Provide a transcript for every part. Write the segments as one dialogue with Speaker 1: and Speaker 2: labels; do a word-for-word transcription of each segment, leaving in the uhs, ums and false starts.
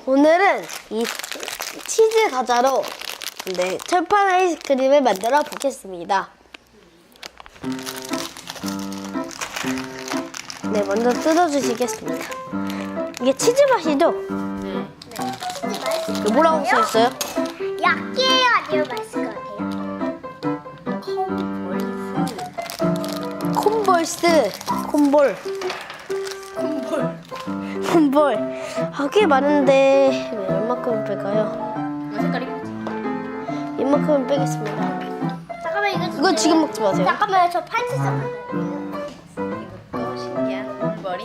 Speaker 1: 오늘은 이 치즈 과자로 네, 철판 아이스크림을 만들어 보겠습니다. 네, 먼저 뜯어주시겠습니다. 이게 치즈 맛이죠?
Speaker 2: 네.
Speaker 3: 치즈 맛있을
Speaker 1: 이거 뭐라고 써 있어요?
Speaker 3: 약이에요? 아니면 맛있을 것 같아요?
Speaker 1: 콤볼스, 콤볼,
Speaker 2: 콤볼.
Speaker 1: 콤볼. 아, 꽤 많은데 네, 얼마큼 뺄까요?
Speaker 2: 이거 색깔 이쁘지?
Speaker 1: 이만큼은 빼겠습니다.
Speaker 3: 잠깐만 이거
Speaker 1: 이거 지금 먹지 마세요.
Speaker 3: 잠깐만요. 저 팔찌 썼거든요.
Speaker 2: 이것도 신기한 콤볼이.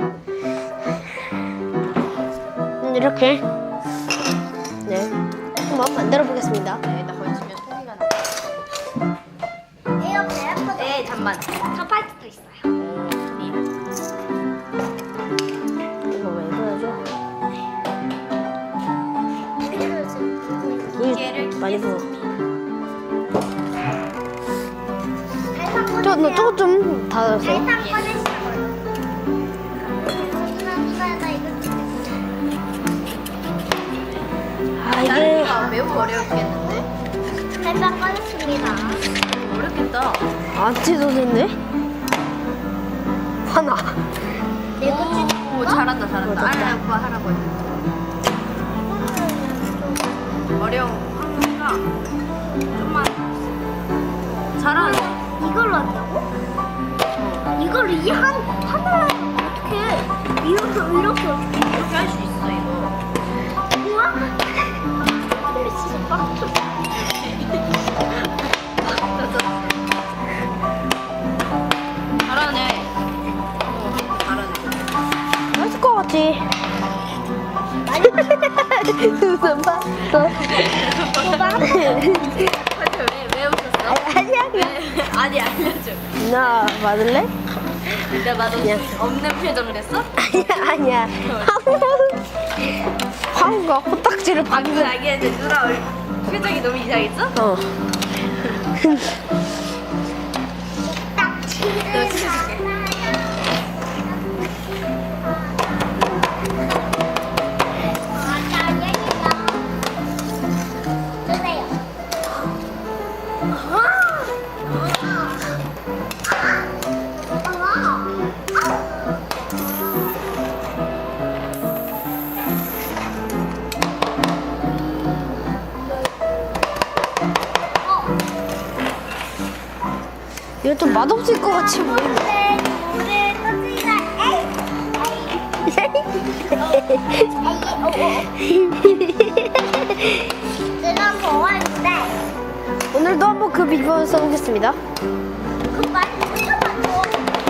Speaker 1: 음, 이렇게 네 한번 만들어 보겠습니다.
Speaker 2: 네, 나 걸치면 소리가 나.
Speaker 3: 이거 배고프다.
Speaker 2: 네, 잠만.
Speaker 3: 저 팔찌도 있어요.
Speaker 1: 이거 왜 그러죠? 우유
Speaker 2: 얘를
Speaker 1: 많이 부어.
Speaker 3: 달방
Speaker 1: 저, 너
Speaker 3: 꺼내세요.
Speaker 1: 저거 좀 닫아주세요.
Speaker 3: 달방 꺼내시라고요. 나 이거
Speaker 1: 아, 이게
Speaker 2: 이게 매우 어렵겠는데?
Speaker 3: 달방 꺼냈습니다.
Speaker 2: 어렵겠다.
Speaker 1: 안 찢어졌네? 하나.
Speaker 3: 네 거.
Speaker 2: 오, 잘한다, 잘한다.
Speaker 1: 어, 됐다.
Speaker 2: 알아, 오빠 하라고 해. 어려워. 하니까 좀만. 잘하네.
Speaker 3: 이걸로 한다고? 이걸 이 한 하나를 어떻게 이렇게 이렇게 어떻게?
Speaker 2: 이렇게 할 수 있어, 이거.
Speaker 3: 우와! 진짜 빡쳐.
Speaker 2: 잘하네. 어, 잘하네.
Speaker 1: 맛있을 것 같지? 무슨 봤어?
Speaker 2: 사실 왜, 왜 웃었어?
Speaker 1: 아니야, 그냥.
Speaker 2: 아니, 알려줘.
Speaker 1: 나 맞을래?
Speaker 2: 내가 봐도 없는 표정을 했어?
Speaker 1: 아니야, 아니야. 황우가 코딱지를
Speaker 2: 방금
Speaker 1: 방금.
Speaker 2: 알겠는데 누나 얼- 표정이 너무 이상했어?
Speaker 1: 어.
Speaker 3: 딱 치즈.
Speaker 2: 너 치즈줄게.
Speaker 1: 이거 좀 맛없을 것 같이 보이네.
Speaker 3: 내가 먹었는데
Speaker 1: 오늘도 한번 그 비법을 써보겠습니다.
Speaker 3: 그 맛이 잠깐만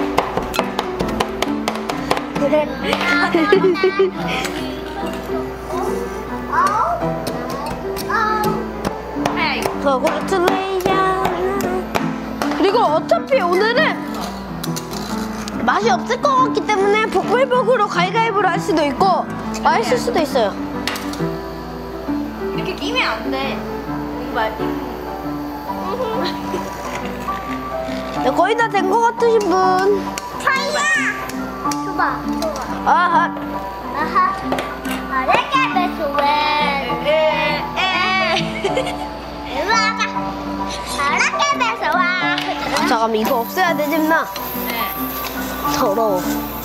Speaker 2: 하야, 이거.
Speaker 1: Congratulations. 그리고 어차피 오늘은 맛이 없을 것 같기 때문에 복불복으로 가위가위보로 할 수도 있고 맛있을 수도 있어요.
Speaker 2: 이렇게 끼면 안 돼. 정말.
Speaker 1: 네, 거의 다 된 것 같으신 분.
Speaker 3: 차이야 줘봐 줘봐
Speaker 1: 아하.
Speaker 3: 아하 아래게 배수왜
Speaker 2: 에, 에.
Speaker 3: 일로 와봐 아래게 배수와
Speaker 1: 잠깐만, 이거 없애야 되지, 나.
Speaker 2: 네.
Speaker 1: 더러워.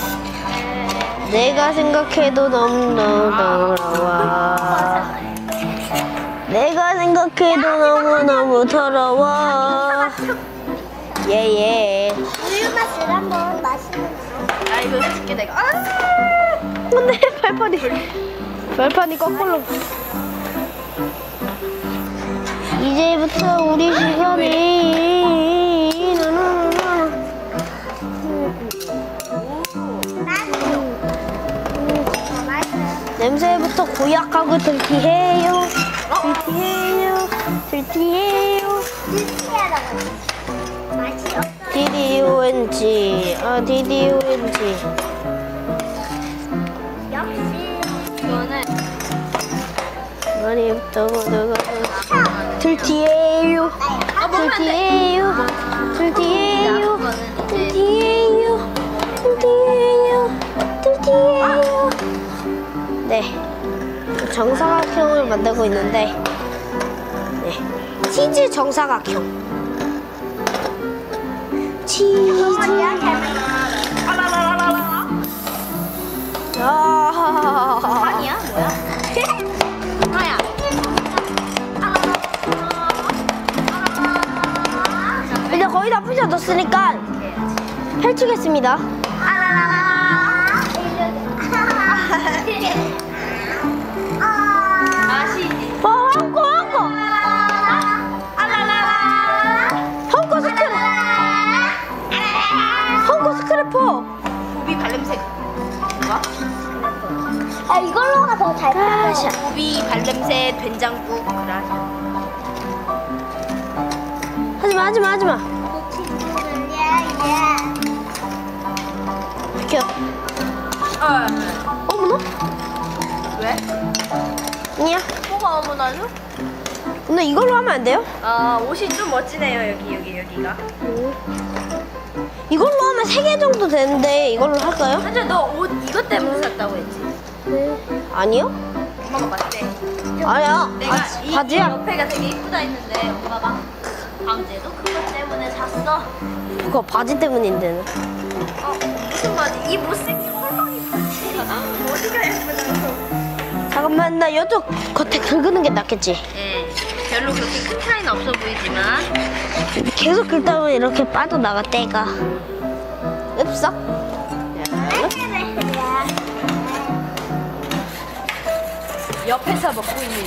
Speaker 1: 내가 생각해도 너무너무 더러워. 내가 생각해도 너무너무 더러워. 예예.
Speaker 3: 우유 맛을 한번 마시면
Speaker 2: 아, 이거 해줄게, 내가. 아!
Speaker 1: 근데 발판이 발판이 거꾸로. 이제부터 우리 시간이 나나나나.
Speaker 3: 더 맛있어요
Speaker 1: 냄새부터 고약하고 들티해요. 들티해요. 들티해요.
Speaker 3: 느끼하다고 맛이 없어
Speaker 1: 디디오엔지. 아, 디디오엔지.
Speaker 3: 역시
Speaker 2: 이거는
Speaker 1: 머리부터 모두가 들티해요.
Speaker 2: 아, 먹으면 안 돼.
Speaker 1: 들티해요. 들티해요.
Speaker 2: 이거는 이제
Speaker 1: 들티해요. 들티해요. 들티해요. 네. 정사각형을 만들고 있는데, 네. 치즈 정사각형. 치즈. 아,
Speaker 2: 아니야 뭐야? 하야.
Speaker 1: 이제 거의 다 부셔졌으니까 펼치겠습니다.
Speaker 2: 맛이
Speaker 1: 어, 한코, 한코. 한코 스크래. 한코 스크래퍼.
Speaker 2: 고비 발냄새. 뭐야?
Speaker 3: 아 이걸로가 더 잘
Speaker 1: 아샤.
Speaker 2: 고비 발냄새 된장국 그라샤.
Speaker 1: 하지마, 하지마, 하지마.
Speaker 3: 예예.
Speaker 1: 비켜.
Speaker 2: 어.
Speaker 1: 어머나?
Speaker 2: 왜?
Speaker 1: 아니야.
Speaker 2: 뭐가 어머나죠?
Speaker 1: 근데 이걸로 하면 안 돼요?
Speaker 2: 아 옷이 좀 멋지네요 여기 여기 여기가.
Speaker 1: 이걸로 하면 세 개 정도 되는데 이걸로 할까요?
Speaker 2: 한자 너 옷 이것 때문에 샀다고 했지?
Speaker 1: 아니요?
Speaker 2: 엄마가 맞대.
Speaker 1: 아니야.
Speaker 2: 내가
Speaker 1: 바지,
Speaker 2: 이, 이
Speaker 1: 바지야.
Speaker 2: 옆에가 되게 이쁘다 했는데 엄마가 강제도 그것 때문에 샀어.
Speaker 1: 그거 바지 때문인데.
Speaker 2: 어 무슨 바지? 이 못생긴 홀쭉이 바지. 어디가 예쁘다고?
Speaker 1: 잠깐만, 나 이쪽 겉에 긁는 게 낫겠지.
Speaker 2: 예. 별로 그렇게 큰 차이는 없어 보이지만
Speaker 1: 계속 긁다 보면 이렇게 빠져나가, 때가. 읍석?
Speaker 2: 옆에서 먹고 있는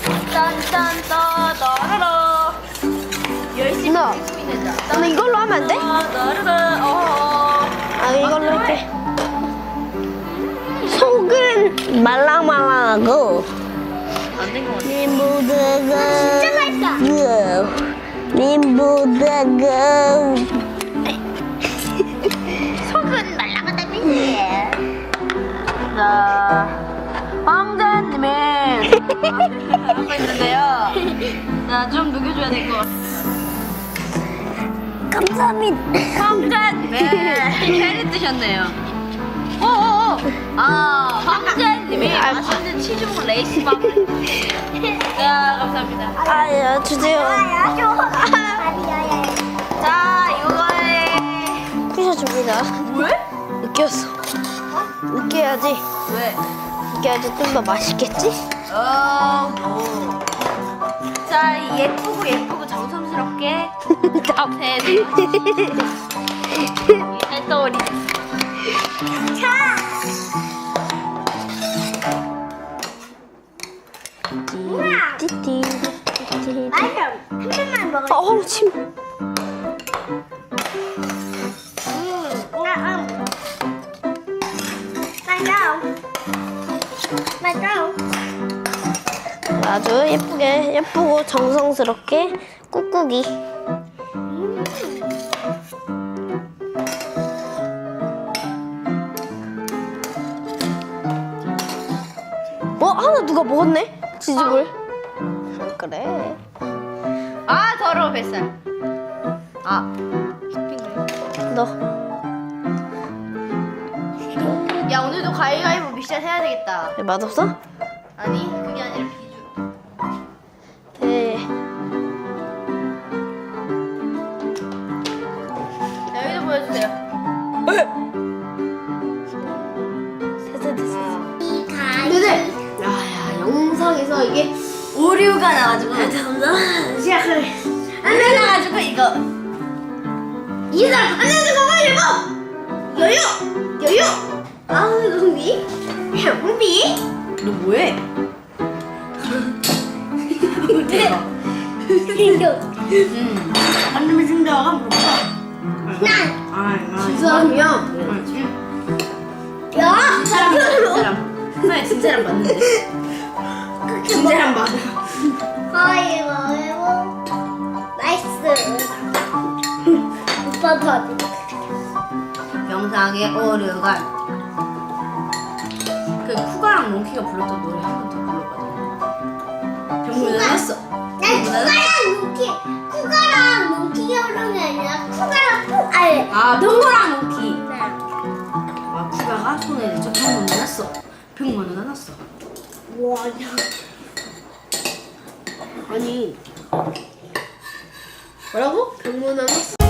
Speaker 2: 딴딴따따라라 열심히
Speaker 1: 나,
Speaker 2: 소리낸다.
Speaker 1: 나 이걸로 하면 안 돼?
Speaker 2: 따라라 어.
Speaker 1: 아, 이걸로 할게. 속은 말랑말랑하고,
Speaker 2: 안된 것 같아.
Speaker 1: 님보다가.
Speaker 3: 진짜 맛있다.
Speaker 1: 님보다가.
Speaker 3: 속은 말랑하다 그지?
Speaker 2: 자, 황자님의 하고 있는데요. 자, 좀 녹여줘야 될 것 같아.
Speaker 1: 감사합니다.
Speaker 2: 황자님의 회를 뜨셨네요. 오오오. 아, 황자님이
Speaker 1: 아,
Speaker 2: 맛있는 치즈볼 레이스밥. 자, 감사합니다.
Speaker 1: 아야, 주세요.
Speaker 3: 아야 좋아. 아니야.
Speaker 2: 자, 이거에
Speaker 1: 부셔줍니다.
Speaker 2: 왜?
Speaker 1: 느꼈어. 느껴야지.
Speaker 2: 왜?
Speaker 1: 느껴야지 좀 더 맛있겠지?
Speaker 2: 어, 뭐. 자, 이 예쁘고 예쁘고 정성스럽게 앞에 살떠오리.
Speaker 3: 자.
Speaker 1: 띠띠. 띠띠.
Speaker 3: 맛있어. 한 번만 먹어.
Speaker 1: 어, 침.
Speaker 3: 맞아.
Speaker 1: 아주 예쁘게, 예쁘고 정성스럽게 꾹꾹이. 어, 하나 누가 먹었네? 치즈볼. 그래.
Speaker 2: 아, 더러워 뱃살. 아,
Speaker 1: 너.
Speaker 2: 야 오늘도 가위가위보 미션 해야 되겠다.
Speaker 1: 왜 맛없어?
Speaker 2: 아니 그게 아니라 비주.
Speaker 1: 네.
Speaker 2: 자 여기도 보여주세요.
Speaker 1: 세세 됐어.
Speaker 2: 네네. 야야 영상에서 이게 오류가 나가지고. 잠깐만 시작을. 안 나가지고 이거. 이 사람 안 나가지고 빨리 뭐? 여유 여유. 아 흥비 흥비. 너 뭐해? 대박. 음. 안되면 준비하가 볼까?
Speaker 3: 난.
Speaker 2: 아, 진 사람이야.
Speaker 3: 야.
Speaker 2: 진 사람, 진 사람. 하나의 진 사람 맞는데. 진 사람 맞아.
Speaker 3: 가위바위보. 나이스. 오빠도 하지.
Speaker 2: 영상의 오류가. 그 쿠가랑 몽키가 불렀던 노래 한 번 더 불러봐줘. 병문안 했어.
Speaker 3: 난 쿠가랑 몽키. 쿠가랑 몽키가 그런 게 아니라 쿠가랑 쿠. 아니.
Speaker 2: 아, 병문안 몽키.
Speaker 3: 네.
Speaker 2: 아, 쿠가가 손에 대쳐 병문안 났어. 병문안 났어.
Speaker 3: 와.
Speaker 1: 아니 뭐라고? 경문함